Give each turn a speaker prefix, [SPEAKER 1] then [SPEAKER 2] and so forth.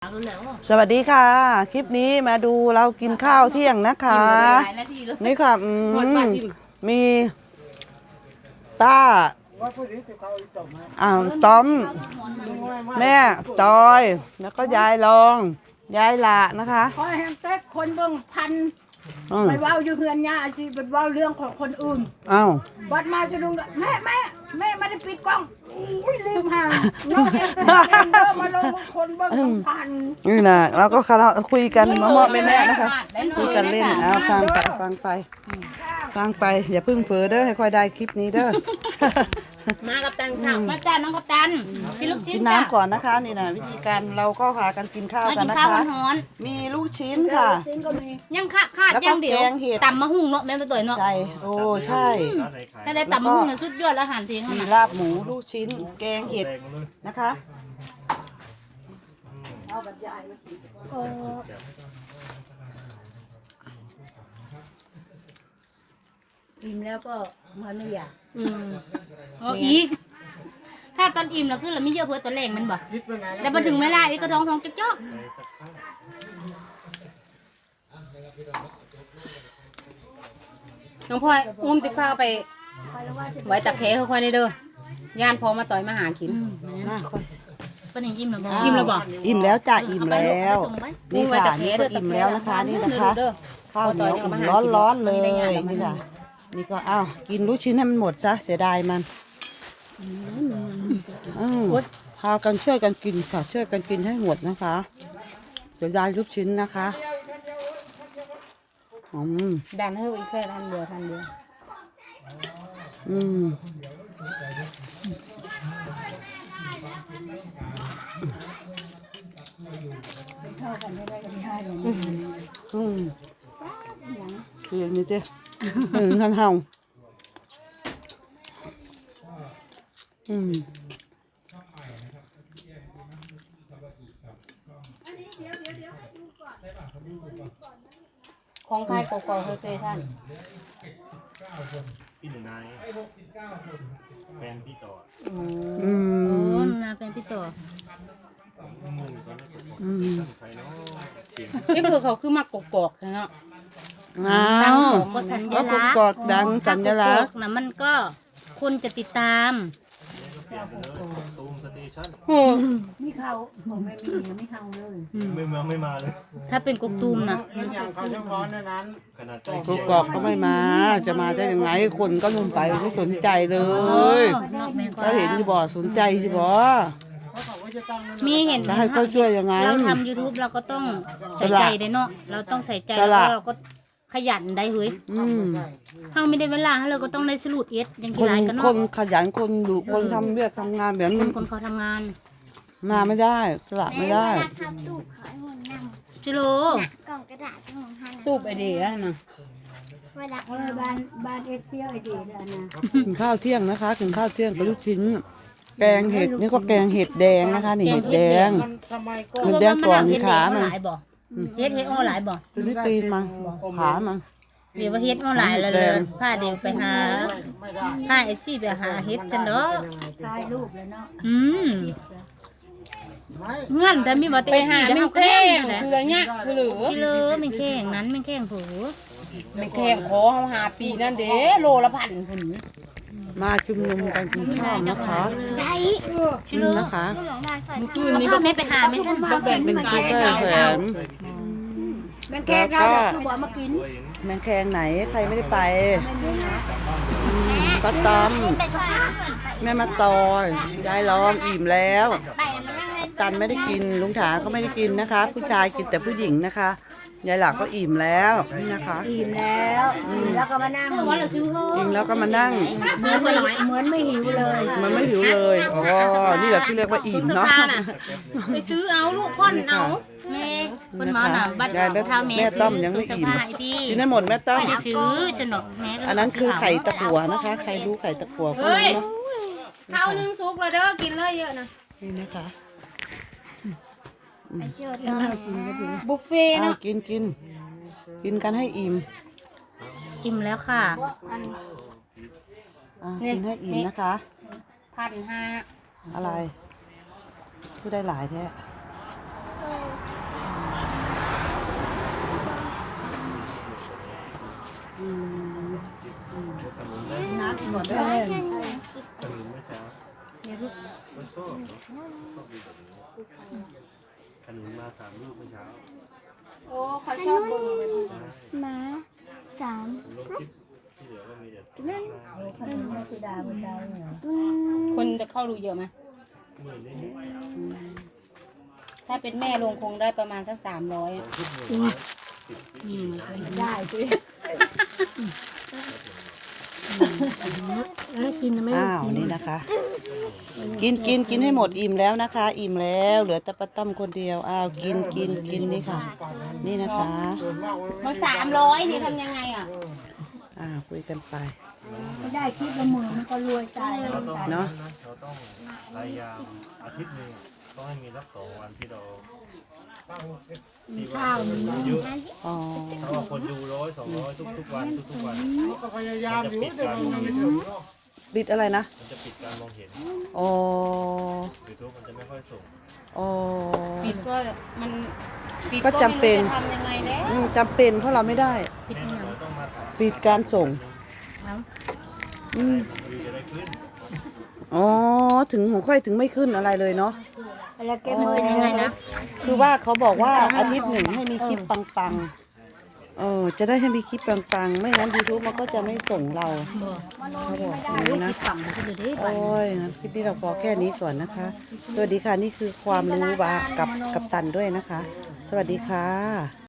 [SPEAKER 1] สวัสดีค่ะคลิปนี้มาดูเรากินข้าวเที่ยงนะคะนี่ค่ะมีป้าต้อมแม่จอยแล้วก็ยายรองยายละนะคะ
[SPEAKER 2] ขอให้เต็กคนเบิ่งพันไปเว้าอยู่เฮือนย่าสิไปเว้าเรื่องของคนอื่น
[SPEAKER 1] อ้าว
[SPEAKER 2] บัดมาจะลุงแม่ไม่ได้ปิดกล้องอุ้ยลืมห่างน้องเอ็มมาลงคนเบิ่งพัน
[SPEAKER 1] นี่นะเราก็คุยกันมาเมาะแม่นะคะคุยกันเล่นฟังไปอย่าพึ่งเผลอเด้อให้ค่อยได้คลิปนี้เด้อ
[SPEAKER 3] มากับตันค่ะมาจ้าน้องกับตันกินลูกชิ้น
[SPEAKER 1] กินน้ำก่อนนะคะนี่นะวิธีการเราก็พากันกินข้าวกันนะคะมีลูกชิ้นค่ะ
[SPEAKER 3] ยังขาดยังเดียวตำมะฮุ่งเนาะแม่ไปตัวเนาะ
[SPEAKER 1] ใช่โอ้ใช่
[SPEAKER 3] ถ้าได้ตำมะฮุ่งเนี่ยสุดยอดอาหารเทียง
[SPEAKER 1] มีลาบหมูลูกชิ้นแกงเห็ดนะคะ
[SPEAKER 2] อิ่มแล้วก็มันไม่อยาก
[SPEAKER 3] อีกถ้าตอนอิ่มเราคือเราไม่เยอะเพื่อตัวแรงมันบ่แต่พอถึงเวลาอีกก็ท้องจ๊อกน้องพลอยอุ้มติ๊กข้าวไปไว้ตักแขค่อยๆในเด้อย่านพอมาต่อยมาหากิน
[SPEAKER 1] มา
[SPEAKER 3] เป็นอย่างอิ่มหรือบ่อิ่มหรือบ่
[SPEAKER 1] อิ่มแล้วจ้ะอิ่มแล้วนี่ค่ะนี่ก็อิ่มแล้วนะคะนี่นะคะข้าวเหนียวร้อนๆเลยนี่ค่ะนี่ก็อ้าวกินลูกชิ้นให้มันหมดซะเสียดายมันพากันช่วยกันกินค่ะช่วยกันกินให้หมดนะคะเสียดายลูกชิ้นนะคะ
[SPEAKER 3] ดันให้อีกแค่ทันเดียว
[SPEAKER 2] เท่ากันไม่ได้กันได้เลย
[SPEAKER 1] คืออย่างนี้เจ้ท่านเฮา
[SPEAKER 3] ของใครกอกๆเคยท่าน
[SPEAKER 4] พี่หนึ่งนายแฟนพี่ต่อ
[SPEAKER 3] นาเป็นพี่ต่อ
[SPEAKER 4] นี่
[SPEAKER 3] เพื่อเขาคือมากกอกเนาะ
[SPEAKER 1] ดัง
[SPEAKER 3] ก็สัญลักษณ์
[SPEAKER 1] กอกดังสัญลักษณ์
[SPEAKER 3] นะมันก็คนจะติดตาม
[SPEAKER 4] ตูมสเตชัน
[SPEAKER 2] ไม่เข้าผมไม่เข้าเลย
[SPEAKER 4] ไม่มาเลย
[SPEAKER 3] ถ้าเป็นกกตูมนะ
[SPEAKER 1] กกอกก็ไม่มาจะมาได้ยังไงคนก็ลงไปไม่สนใจเลยถ้าเห็นที่บ่สนใจที่บ่
[SPEAKER 3] มีเห็น
[SPEAKER 1] ให้เขาช่วยยังไง
[SPEAKER 3] เราทำ YouTube เราก็ต้องใส่ใจได้เนาะเราต้องใส่ใจแล้วเราก็ขยันได้เฮ้ยถ้าไม่ได้เวลาเราก็ต้องได้สรุปอย่างกี่รายกันเนาะ
[SPEAKER 1] คนขยันคนดุคนทำเรื่องทำงานแบบ
[SPEAKER 3] คนเขาทำงาน
[SPEAKER 1] มาไม่ได้สละไม่ได้
[SPEAKER 3] จิโร่
[SPEAKER 5] กล่องกระดาษของฮัน
[SPEAKER 3] ตูบไอเดียนะ
[SPEAKER 2] บ้านเอฟเซียไอเดียนะ
[SPEAKER 1] กินข้าวเที่ยงนะคะกินข้าวเที่ยงกับลูกชิ้นแกงเห็ดนี่ก็แกงเห็ดแดงนะคะนี่เห็ดแดงเห็ดแดงก่อนนี่ขามัน
[SPEAKER 3] เฮ็ดออนไลน์บ่
[SPEAKER 1] ตัวนี้ตีนมันขามัน
[SPEAKER 3] เดี๋ยวว่าเฮ็ดออนไลน์แล้วเลยพาเดี๋ยวไปหาพาเอฟซีไปหาเฮ็ดจังเนาะ
[SPEAKER 2] ถ่ายรูปเลยเนาะ
[SPEAKER 3] งั้นแต่มีบ่เต็มที่แล้วเฮาก็แห้ง
[SPEAKER 5] คือเงี้ยคือหรือ
[SPEAKER 3] ชิเลอมันแข้งนั้นมันแข้งผู
[SPEAKER 5] มันแข้งขอเฮาหาปีนั่นเด้โลละพันพุ่น
[SPEAKER 1] มาชุมนุมกันกินข้าวนะคะ
[SPEAKER 3] ได้
[SPEAKER 1] ชิลนะคะ
[SPEAKER 3] เมื่อคืนนี้พ่อแม่ไปหาไม่ฉันบ่เป็น
[SPEAKER 1] เป็นกิ๊กแขน
[SPEAKER 2] แมงแคงเราคือบ่มากิน
[SPEAKER 1] แมงแคงไหนใครไม่ได้ไปป้าตอมแม่มาตอยยายรองอิ่มแล้วตันไม่ได้กินลุงถาก็ไม่ได้กินนะคะผู้ชายกินแต่ผู้หญิงนะคะยายหลักก็อิ่มแล้วนี่นะคะ
[SPEAKER 2] อิ่มแล้วแล้วก็มานั่ง
[SPEAKER 1] อิ่มแล้วก็มานั่ง
[SPEAKER 2] เหมือนไม่หิวเลย
[SPEAKER 1] มันไม่หิวเลยอ๋อนี่แหละที่เรียกว่าอิ่มเนาะ
[SPEAKER 3] ไปซื้อเอาลูกพ่อนเอาแม่คนหมอน่ะบัตร
[SPEAKER 1] แม่ต้มยังไม่อิ่มกินได้หมดแม่ต้ม
[SPEAKER 3] ไม่ได้ซื้อฉันหรอกแม่
[SPEAKER 1] อันนั้นคือไข่ตะกั่วนะคะใครรู้ไข่ตะกั่วก็รู้เนาะ
[SPEAKER 3] ข้าวนึ่งซุกแล้วเด้อกินเลยเยอะนะ
[SPEAKER 1] นี่นะคะ
[SPEAKER 3] บุฟเฟ่เนาะ
[SPEAKER 1] กินกันให้อิ่ม
[SPEAKER 3] แล้วค่ะ
[SPEAKER 1] กินให้อิ่มนะคะ
[SPEAKER 3] 1,500
[SPEAKER 1] อะไรพูดได้หลายแท้
[SPEAKER 4] นุนมา3 ลูกเมื่อเช้า
[SPEAKER 2] โอ้เขาชอบเบิ่งเลย
[SPEAKER 4] ใช่
[SPEAKER 6] ม้าสาม
[SPEAKER 4] ผมลงคลิปที่เหลือก็มีแต่
[SPEAKER 3] คนจะเข้าดูเยอะไหม
[SPEAKER 4] หมื่นนิด
[SPEAKER 3] ถ้าเป็นแม่ลงคงได้ประมาณสัก300
[SPEAKER 4] ๆคลิปหนึ่ง10
[SPEAKER 2] ได้สิ
[SPEAKER 1] อ้าวนี่นะคะ กินให้หมดอิ่มแล้วนะคะ อิ่มแล้วเหลือแต่ป้าต้อมคนเดียวอ้าวกินนี่ค่ะ นี่นะคะ
[SPEAKER 3] มัน300นี่ทำยังไงอ่ะ
[SPEAKER 1] คุยกันไป
[SPEAKER 2] ไม่ได้คิดละหมื่นมันก็รวยใจ
[SPEAKER 1] เนาะ
[SPEAKER 4] เราต้องพยายามอาทิตย์หนึงต้องให้มีสัก2 วันที่เราที่ว่าคนดูเยอะ
[SPEAKER 1] อ๋อ
[SPEAKER 4] ถ้าว่าคนดู100 200ทุกวันทุกวันมันจะปิดการมองเห็น
[SPEAKER 1] ปิดอะไรนะ
[SPEAKER 4] มันจะปิดการมองเห็น
[SPEAKER 1] อ๋อ
[SPEAKER 4] YouTube มันจะไม่ค่อยส่ง
[SPEAKER 1] อ๋อ
[SPEAKER 3] ปิดก็มันปิด
[SPEAKER 1] ก็จำเป็น
[SPEAKER 3] ไม่รู้จะทำยังไงแล้ว
[SPEAKER 1] จำเป็นเพราะเราไม่ได้
[SPEAKER 3] ปิดยังไง
[SPEAKER 4] เราต้องมาถ่าย
[SPEAKER 1] ปิดการส่ง
[SPEAKER 3] เอ้า
[SPEAKER 1] อืม
[SPEAKER 4] วิวจะได้ขึ้น
[SPEAKER 1] อ๋อถึงของค่อยถึงไม่ขึ้นอะไรเลยเนาะ
[SPEAKER 2] แล้วแก
[SPEAKER 3] มันเป็นยังไงนะ
[SPEAKER 1] คือว่าเขาบอกว่าอาทิตย์หนึ่งให้มีคลิปปังๆจะได้ให้มีคลิปปังๆ ไม่งั้น YouTube มันก็จะไม่ส่งเราเขาบอกอย่างนี้นะ
[SPEAKER 3] ปิดฝั่งมันจะดูดิ
[SPEAKER 1] โอ้ยงั้นคลิปนี้เราพอแค่นี้ก่อนนะคะ สวัสดีค่ะ นี่คือความรู้ว่ากับตันด้วยนะคะ สวัสดีค่ะ